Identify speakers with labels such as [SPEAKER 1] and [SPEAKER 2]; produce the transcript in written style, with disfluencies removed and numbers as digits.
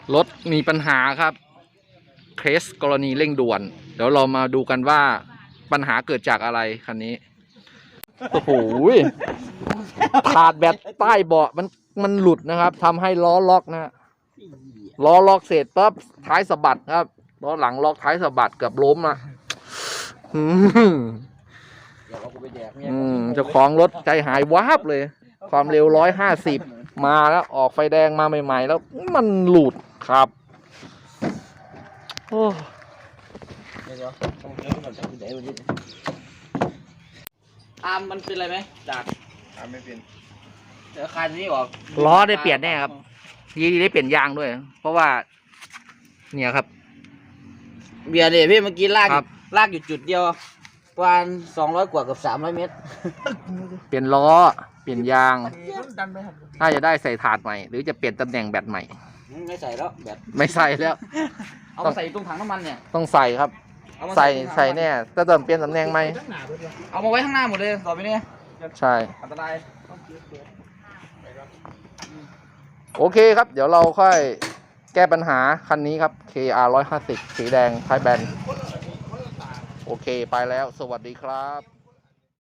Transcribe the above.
[SPEAKER 1] รถมีปัญหาครับเคสกรณีเร่งด่วนเดี๋ยวเรามาดูกันว่าปัญหาเกิดจากอะไรคันนี้โอ้โหขาดแบตใต้เบาะมันหลุดนะครับทำให้ล้อล็อกนะล้อล็อกเสร็จปั๊บท้ายสะบัดครับล้อหลังล็อกท้ายสะบัดเกือบล้มอ่ะเจ้าของรถใจหายวาบเลยความเร็ว150มาแล้วออกไฟแดงมาใหม่ๆแล้วมันหลุดครับโอ้
[SPEAKER 2] อาร์มมันเป็นอะไรไหมจาก
[SPEAKER 3] อาร์มไม่เป็น
[SPEAKER 2] เดี๋ยวคันนี้ออก
[SPEAKER 1] ล้อได้เปลี่ยนแน่ครับดีได้เปลี่ยนยางด้วยเพราะว่าเนี่ยครับ
[SPEAKER 2] เบียร์เนี่ยพี่เมื่อกี้ลากอยู่จุดเดียวประมาณ200 กว่ากับ300 เมตร
[SPEAKER 1] เปลี่ยนล้อเปลี่ยนยางถ้าจะได้ใส่ถาดใหม่หรือจะเปลี่ยนตำแหน่งแบตใหม่
[SPEAKER 2] ไม่ใส่แล้วแบต
[SPEAKER 1] ไม่ใส่แล้ว
[SPEAKER 2] เอาใส่ตรงถังน้ำมันเนี่ย
[SPEAKER 1] ต้องใส่ครับใส่แน่จะเปลี่ยนตำแหน่งไหม
[SPEAKER 2] เอามาไว้ข้างหน้าหมดเลยต่อไปนี้
[SPEAKER 1] ใช่
[SPEAKER 2] อันตราย
[SPEAKER 1] โอเคครับเดี๋ยวเราค่อยแก้ปัญหาคันนี้ครับ KR 150สีแดงท้ายแบนโอเคไปแล้วสวัสดีครับ